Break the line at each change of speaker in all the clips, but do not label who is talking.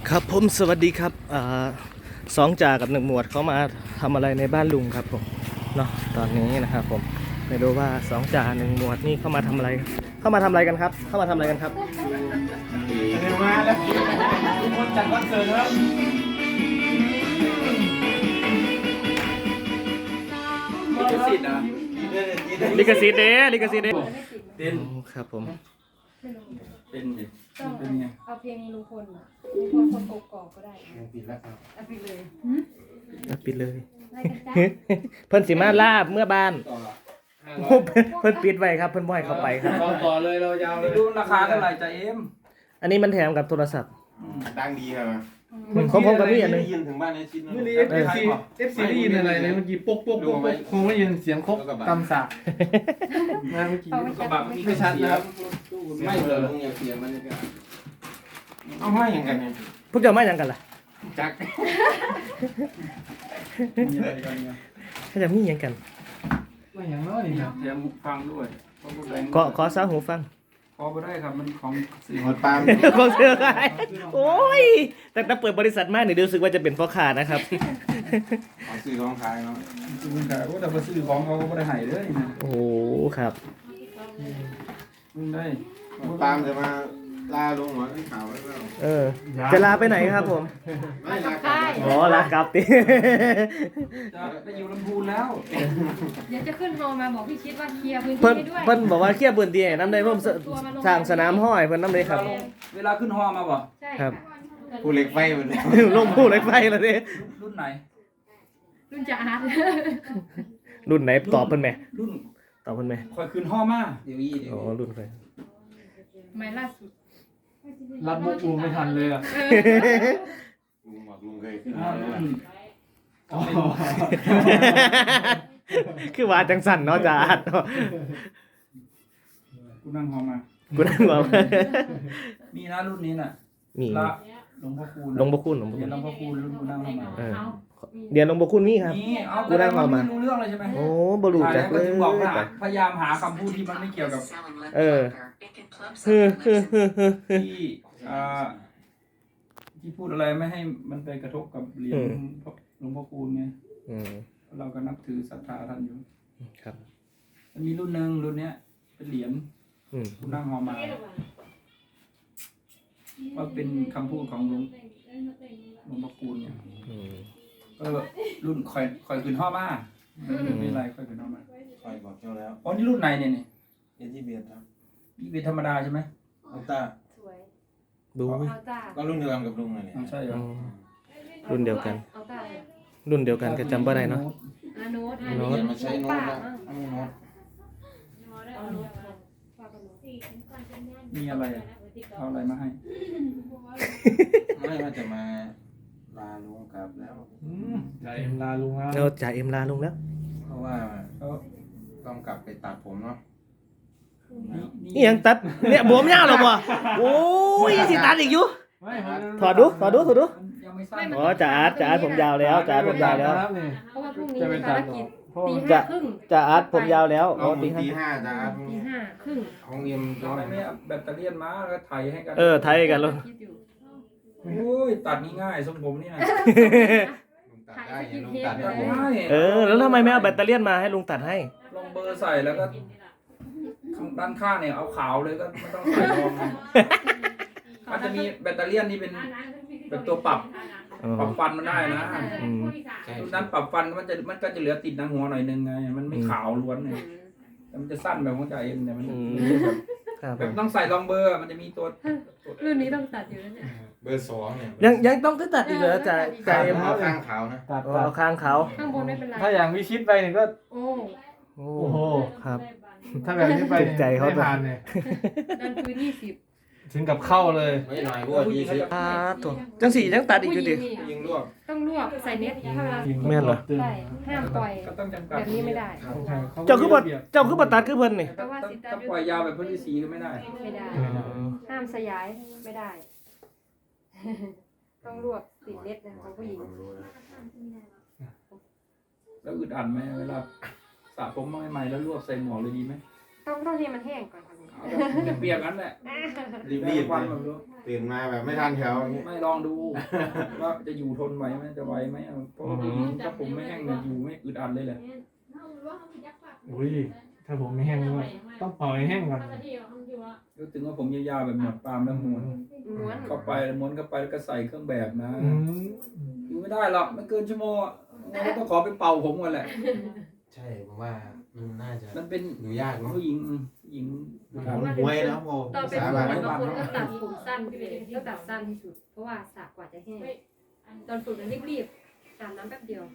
ครับผมสวัสดีครับสองจ่ากับหนึ่งหมวดเขามาทำอะไรในบ้านลุงครับผมเนาะตอนนี้นะครับผมไม่รู้ว่าสองจ่าหนึ่งหมวดนี่เข้ามาทำอะไรกันครับเข้ามาทำอะไรกันครับ
เร็วมาแล้วทุกคนจัดคอนเสิร์ตแล้วลิขสิทธิ์อ่ะ
ลิขสิทธิ์เด้ลิขสิทธิ์เด้
เต้น
ครับผม
เป็นดิ
ต้อง
เป็นไง
เอาเพลงลุงพลอ่ะลุงพลคนกกอกก็ได้
ปิดแล้วครับ
เอาไปเลย
ปิดเลย
ไล่กันจ้า
เพิ่นสิมาลาบเมื่อบ้าน
ต่อ
เพิ่นปิดไว้ครับเพิ่นบ่ให้เข้าไปครับ
ต่อเลยเรายาวเลยดูราคาเท่าไหร่จ่าเอ็ม
อันนี้มันแถมกับโทรศัพท์
ตั้งดีครับ
ของผมกับพี่อันนึง
ได้ยินถึงบ้านในชิ้น
เมื่อนี้FC ได้ยินอะไรเลยเมื่อกี้ปุ๊กปุ๊กปุ๊กปุ๊กคงไม่ยินเสียงครบตำสะนะเมื่อกี้กระบะไม่ชัดนะครับไม่เลย
ลุงอย่าเสียมันเลยเอาให้อย่างกันเนี่ย
พวกเจ้ามาหยังกันล่ะ
จัก
มีอะไรกันเนี่ย
เขาจะมีหยังกัน
ไม่อย่างน้อยนี่ครับแถมฟังด้วย
ขอซาหูฟัง
พอไปได้ครับมันของสื่อ
หมดปาม
ของเสือไงโอ้ยแต่เปิดบริษัทมาเนี่ยรู้สึกว่าจะเป็นพ่อค้านะครับ
ขอซื้อของขายเนาะ
ซื้อแต่ว่าแต่ไปซื้อของเขาก็ไม่ได้ให้เลยนะ
โอ้โหครับ
มึงได้
หมดปามจะมาลาลุงหัวที่ข่าวไว้เปล่า
จะลาไปไหนครับผม
ไม่ลากลับ
อ๋อลากลับติ
จะไปอยู่ลำพูนแล้ว
เดี๋ยวจะขึ้นโทรมาบอกพี่ชิดว่าเคลียร์พื้นที่
เพิ่น
ให้ด้วย
เพิ่นบอกว่าเคลียร์พื้นที่ให้น้ำได้เพิ่มสร้างสนามห้อยเพิ่นน้ำได้ครับ
เวลาขึ้นฮอมาบ่
ใช่
ครับ
ผู้เหล็กไฟหมดเลย
ลงผู้เหล็กไฟแล้วดิ
รุ่นไหน
รุ่นจ่าอาร์ต
รุ่นไหนตอบเพิ่นไหม
รุ่น
ตอบเพิ่นไหม
คอยขึ้นฮอมาเดี๋ยวอีเดี๋ยว
อ๋อรุ่นใคร
ไม่ล่าสุด
รับมุกลุงไม่ทันเลยอ่ะ
ลุงบอกลุงเคยขึ้น
คือว่าจังสั่นเนาะจ้าอัดเนาะ
กูนั่งฮอมา
กูนั่งบอกว่า
มีนะรุ่นนี้น่ะ
มี
ละหลวงพ่อคูณ
หลวงพ่อคุณหลวงพ่อ
เดี๋
คุ
ยว
ณ
หลวงพ่อคูณรุ่นกูนั่งฮอมา
เออเดี๋ยวหลวงพ่อคุณมีครับ
นี่เอา
กูนั่งฮอมา
ไม่รู้เรื่องเลยใช่ไหม
โอ้บ่รู้จักเลย
ถึงบอกว่าพยายามหาคำพูดที่มันไม่เกี่ยวกับ ที่ที่พูดอะไรไม่ให้มันไปกระทบกับเหรียญหลวงพ่อคูณไง
อืม
เราก็นับถือศรัทธาท่านอยู่
ครับ
มันมีรุ่นหนึ่งรุ่นเนี้ยเป็นเหรียญ
อืม
กูนั่งฮอมาว่าเป็นคำพูดของหลวงพ่อคูณเนี่ย
อืม
ก็รุ่นคอยขึ้นฮอมาไม่เป็นไรคอยขึ้นฮอมา
คอยบอกเจ้าแล้ว
อ๋อนี่รุ่นไหนเนี่ยนี่
เอ็นที่เบียร์ครับ
นี่เป็นธรรมดาใช่ไหม
อัลต้า
สวย
ดู
เอาจ้า
ก็รุ่นเดียวกันกับลุงเลยเนี่ย
ไม่ใช่เหรอ
รุ่นเดียวกัน
เอาจ้าเลย
รุ่นเดียวกันก็จำบ่ได้เนาะ
อาโน้ต
โน้ต
อย่ามาใช้โน้ตนะไม่โน้ต
เอาโน้ต
มีอะไรอ่ะเอาอะไรมาให้
ไม่ว่าจะมาลาลุงกลับแล้ว
ใจลาลุง
เราจ่ายเอ็มลาลงแล้ว
เพราะว่าต้องกลับไปตัดผมเนาะ
นี่ยังตัดเนี่ยบวมยาวหรอบ่โอ้ยยังสิตัดอีกอยู่ถอดดู
ยังไม่ทราบ
อ๋อจ่าอาร์ตผมยาวแล้วจ่าอาร์ตผมยาวแล้ว
เพราะว่าพรุ่งนี้มีภารกิจตี
จะ
ห้าครึ่ง
จ่าอาร์ตผมยาวแล้วอ๋
เรา
อ
ตี
ตี
ห้าจ้า
ตีห้าครึ่ง
ของเอ็ม
ทำไมไม่เอาแบตเตอรี่มาแล้วก็ไถให้กัน
ไทยกันแล้ว
คิดอยู่
โอ้ยตัดง่ายๆทรงผมนี่นะ
ลุงตัดได้ยังลุงตัดได้
ตัด
ผม
ง่าย
แล้วทำไมไม่เอาแบตเตอรี่มาให้ลุงตัดให้
ลองเบอร์ใส่แล้วก็ข้างด้านข้างเนี่ยเอาขาวเลยก็ไม่ต้องใส่รองนะมันจะมีแบตเตอรี่นี่เป็นแบบตัวปรับฟันมันได้นะ
ใช่
ตรงนั้นปรับฟันมันก็จะเหลือติดหนังหัวหน่อยนึงไง มันไม่ขาวล้วนเลยแต่มันจะสั้นแบบของจ่าเอ็มเนี่ยมันแบบต้องใส่รองเบอร์มันจะมีตัว
รุ่นนี้ต้องตัดอยู่แล้วเนี่ย
เบอร์สองเนี่ย
ยังต้องตัดอีกเหรอจ่าเอ็ม
เอาข้างขาวนะ
เอาข้างเขา
ข้างบนไม่เป็นไร
ถ้าอย่างวิชิตไปเนี่ยก็
โอ้
โอ้
โอ้โห
ครับ
ถ้าแบบนี้ไป
ตกใจเขา
ไม่ผ่านเนี่ย
ดันพื้น20
ถึงกับเข้าเลย
ไม่หน่อยพวกยี่สิบ
ถูกจังสียังตัดอีกอยู่ดิ
ยิงลวก
ต้องลวกใส่เน็ตเท่านั้น
แม่นเหรอ
ใช่ห้ามปล่อย
ก็ต้องจำกัด
แบบนี้ไม่ได้
เจ้าคือบ่ตัดคือเพิ่นนี่
แต่ว่าสิตา
ถ้าปล่อยยาวแบบพื้นที่สีก็ไม่ได้
ไม่ได้ ห้ามสยายไม่ได้ ต้องลวกติดเน็ตนะของผู้หญิง
แล้วอึดอัดไหมเวลาสระผมใหม่ๆแล้วรวบใส่หมวกเลยดีไหม
ต้องให้มันแห้งก่อนครับ
เอาแบบเปียกๆนั้นแหละ
รีบๆ
วัน
เลย
แบบรู้
ตื่นมาแบบไม่ทันแถวอย่างเงี้ย
ไม่ลองดูว่าจะอยู่ทนไหวไหมจะไหวไหมเอาเพราะว่าถ้าผมไม่แห้งเนี่ยอยู่ไม่อึดอัดเลยแหละ
อุ้ยถ้าผมไม่แห้งก็ต้องเป่าให้แห้งก่อน
รู้ถึงว่าผมยาวๆแบบหนวดปาล์มแล้วม้วน
ม้วน
เข้าไปม้วนเข้าไปแล้วก็ใส่เครื่องแบบนะ
อืม
อยู่ไม่ได้หรอกไม่เกินชั่วโมงอะงั้นก็ต้องขอไปเป่าผมก่อนแหละ
ใช่ผมว่ามันน่าจะ
มันเป็น
อยู่ยากเนาะ
ผู้หญิงครับ
มันหวยนะโม
ตอนเป็น
สา
ห
บาน
นบางคนก็ตัดผมสั้นไปเลยก็ตัดสั้นที่สุด เพราะว่าสระกว่าจะแห้งตอนฝึกนั้นรีบๆอาบน้ำแป๊บเดียว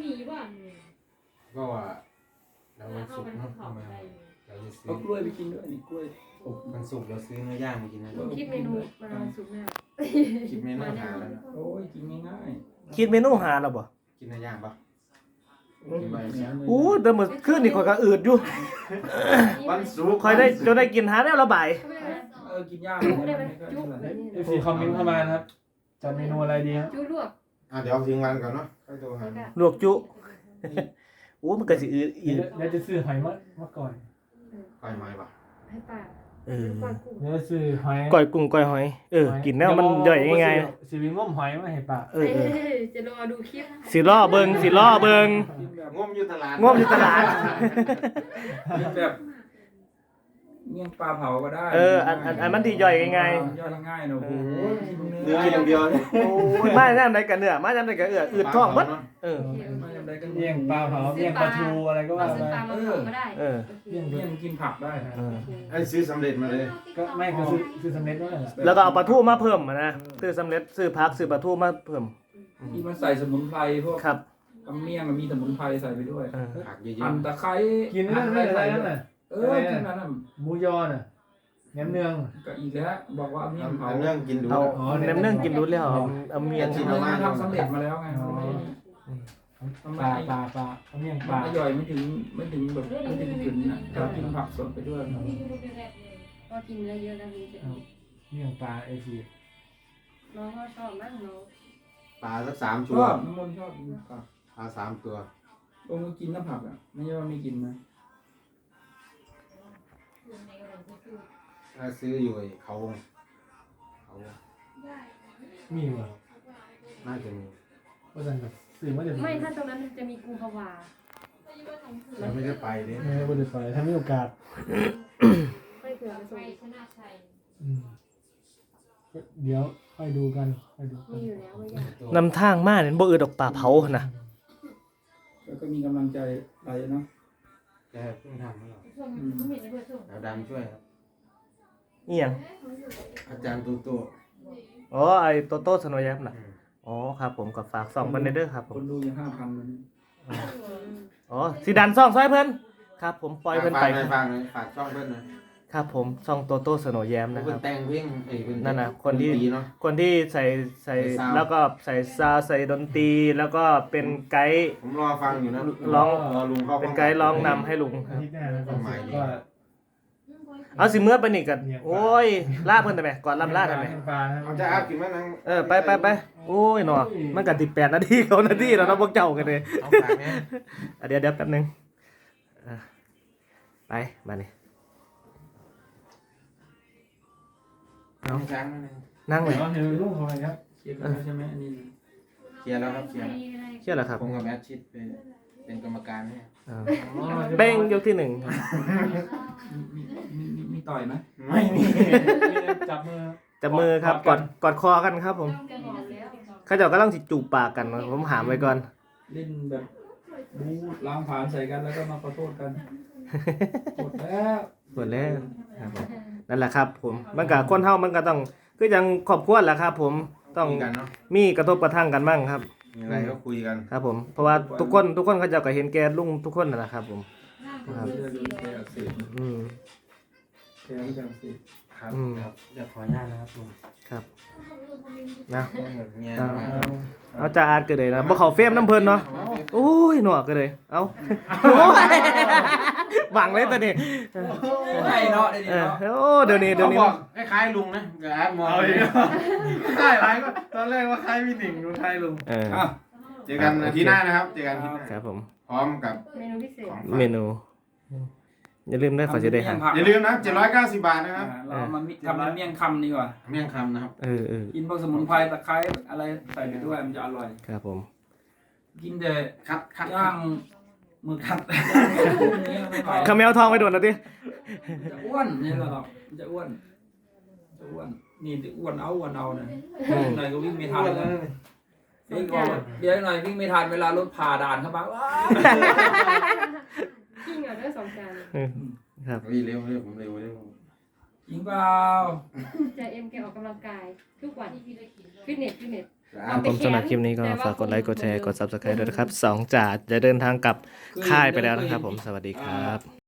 ก็ว่าแล้วมันสุกเนาะทำไมเราจะซื้
เอา
อก
ล้วยไปกินด้วยนี่กล้วยอบ
มันสุกเราซื้อเนื้อย่างมากินนะ
คิดเมนูมาสุกหน้า
คิดเมนูหาแล้วนะ
โอ้ยกินง่าย
คิดเมนูหาแล้วบ่
กินเนื้อย่างปะ
ๆ
กินไปเสีย
โอ้แต่เมื่อคืนนี่ข่อยก็อืดอยู่
วันศุกร์
ข่อยได้จนได้กินหาแล้วระบาย
กินยาก
ได้ไหม
ไม่ค่อย
จุ๊บ
เท่าไหร่
เอฟซีคอมเมนต์เข้ามานะครับจะเมนูอะไรดีครับ
จุ๊บลวก
เดี๋ยวถึงวันก่อนเนาะค่อยโทรหา
แล้วก็
ลวกจุโอ้มันก็สิอืดอีก
เดี๋ยวจะซื้อหอยมาก่อน
ค่อยมาปะ
ให้ป้า
เออ
ก้อนกุ้ง
เดี๋ยวจะซื้อหอย
ก้อยกุ้งก้อยหอยกินแนวมันย่อยง่าย
สิวิงง้มหอยมาให้ปะ
ๆ
จะรอดูคลิป
สิล่อเบิงสิล่อเบิง
กินแบบ
ง่มอยู่ตลาด
ง่วมอยู่ตลาด
กินแบบเมี่ยงปลาเผาก็ได้
อันมันที่ย่อยง่าย
ย่อยง่ายๆเนอะโอ้โห
เนื้ออย่างเดียวเนี่ย
ๆโอ้ยมาย่ามใดกันเนื้อมาย่ามใดกันอืดท้องเบิดเออ
ไม่จำได้กัน
เมี่ยงปลาเผาเมี่ยงปลาทูอะไรก็
เรา
ว่า
ซื้อ
ไป
ปลามาเผาก็ได้
เออ
เมี่ยง
เมี่ยงกินผักได้
เออ
ไอ้ซื้อสำเร็จมาเลย
ก็ไม่ก็ซื้อสำเร็จนั่นแหละ
แล้วก็เอาปลาทูมาเพิ่มนะซื้อสำเร็จซื้อผักซื้อปลาทูมาเพิ่ม
ที่มันใส่สมุนไพรพวก
ครับ
เมี่ยงมันมีสมุนไพรใส่ไปด้วย
เออ
ผักเยอะ
หั่นตะไคร้
กินนั่นอะไรนั่นน่ะ
กินนั้นน่ะ
หมูยอน่ะแหนมเนือง
ก็อีกแล้วบอกว่าเมี่ยง
ๆ
เผา
เอาเรื่องกินดู
เอา
อ๋อ
แหนมเนื่องกินรู้แล้วเอาเมียง
จริงๆมันทำสำเร็จมาแล้วไงทำไม
ปลาเอาเมี่ยงป
มั
ลาน
อร่อยไม่ถึงแบบไม่ถึงกลิ่นนะถ้ากินผักสดไปด้วย
ก็กินเนื้อเยอะแล้วนี่จะ
เมี่ยงปลาไอซี
น้องก็ชอบมากน้อง
ปลาสัก3
ช
ตัว
อบน้ำมันชอบกินผัก
ปลา3 ตัว
ลงมากินน้ำผักอ่ะไม่ใช่ว่าไม่กินนะ
ถ้าซื้ออยู่ไอ้เขาวง
มีเหรอ
น่าจะมี
ว่าจะแบบสื่อว่าจะ
ไม่ถ้าตรงนั้นจะมีกุมภาวา
เราไม่ได้ไปเลย
ไม่ว่าจะไปถ้ามีโอกาส
ไม่เผื่อไปส่ง
เดี๋ยวค่อยดูกันค่อยดูกั
มี
น
อยู่แล้วไม่ยาก
นำทางมาเนี่ยบ่อืดดอกป่าเผานะ
แล้วก็มีกำลังใจไปเนาะ
แกเพิ่งทำให้เราเราดำช่วยครับ
อีหยัง
อาจารย์ตู่
อ๋อไอ้โตโต้สโนว์ยับน่ะอ๋อครับผมก็ฝากส่องเพิ่นเด้อครับผ
ค
ม
นดูยัง5,000เลย
อ๋อสิดันซ่องซอยเพิ่นครับผมปล่อยเพิ่นไป
ฟังเลยฝากช่องเพิ่นนะครับ
ผมซ่องโตโต้สโนว์แยมนะค
เพิ่
รั
น
บ
แต่งเพลงเพิ่น
นั่นน่ะคนที่
ดตรีเนาะ
คนที่ใส่
ใส่ซาวด์
แล้วก็ใส่ซาวด์ใส่ดนตรีแล้วก็เป็นไกด์
ผมรอฟังอยู่นะ
ร้อง
รอลุงเข้า
เป็นไกด์ร้องนำให้ลุงค
อา
รับ
ทิตย์หน้านะก็
เอาสิเมื่อไปนี่กันโอ้ยลาเพิ่นได้ไหมก่อนลำลาได้ไหม
ปลา
เอาจะอัพกินมั้ยนัง
ไปโอ้ยหนอมันก็18 นาที9 นาทีแล้วเนาะพวกเจ้ากันเลย
เอาฝากแม่
เดี๋ยวแป๊บนึงอ่ะไปมานี่
น้องช้างนั่นเอง
นั่งเลย
เดี๋ยวเห็นลูกอะไรครับ
เคลียร์กันแล้วใช่ไหมอันนี้
เคลียร์แล้วครับเคลียร์
เชื่อเหรอครับ
ผมกับแมทชิดเป็นกรรมการให้
อ่าเป้งยกที่ 1ครับ
มีต่อยไหม
ไม่มี
จับมือ
จับมือครับกอดคอกันครับผม
จะหอมแล้ว
เขาเจ้ากำลังสิจูบปากกันผมหามไว้ก่อน
เล่นแบบบูล้างผ่านใส่กันแล้วก็มาขอโทษกันหมดแล้ว
หมดแล้วครับผมนั่นแหละครับผมมันกับคนเฮามันก็ต้องคือยังครอบครัวแหละครับ ผมต้อง
คุยกันเนาะ
มีกระทบกระทั่งกันบ้างครับ
มีอะไรก็คุยกัน
ครับผมเพราะว่าทุกคนเขาเจ้าก็เห็นแกลุงทุกคนนั่นแหละครับผม ครับ
เรื่องแผลอักเสบ
อืม
แผลที่จะอักเสบ
ครับ
อืม
ครับเดี๋ยวขออนุญาตนะครับลุง
ครับนะ
เงี้ย
เอาจ่าอาร์ตก็เลยนะบ่เขาเฟรมน้ำเพลินเนาะโอ้ยหนวกก็เลยเอาโอ้ยบังเลยตัวนี้
ไม่เนาะได้ดี
เออ
เนาะ
โอ้เดี๋ยวนี้
เขาบอกคล้ายๆลุงนะเดี๋ยวแอดมอง
เอาอีกใช่ไรก็ตอนแรกว่าใครพี่หนิงดูไทยลุง
เออ
อ่ะ
เจอกันอาทิตย์หน้านะครับเจอกันอาทิตย์หน้า
ครับผม
พร้อมกับ
เมนูพิเศษ
เมนูอย่าลืมได้ขอจะได้หา
อย่าลืมนะ790 บาทนะครับ
เรามาทำเป็นเมี่ยงคำดีกว่า
เมี่ยงคำนะครับ
เออ
กินพวกสมุนไพรตะไคร้อะไรใส่ไปด้วยมันจะอร่อย
ครับผม
กินแต่
คัด
ย่างหมึกคัดนี้ไม่ไหว
ข้าวแมวทองไปโดนนะดิ
จะอ้วนนี่แหละครับจะอ้วนนี่จะอ้วนเอาเนี่ยหน่อยก็วิ่งไม่ทันแล้ววิ่งก่อนเดี๋ยวหน่อยวิ่งไม่ทันเวลารถผ่าด่านเข้ามาว้าว
กิ้งอ่ะด้วย2 จาน
ครับ
เร็วผมเร็ว
จริงเปล่า
ใจเอ็มแกออกกำลังกายทุกวันฟิตเนส
ครับผมสำหรับคลิปนี้ก็ฝากกดไลค์กดแชร์กด Subscribe ด้วยนะครับ2 จ่าจะเดินทางกลับค่ายไปแล้วนะครับผมสวัสดีครับ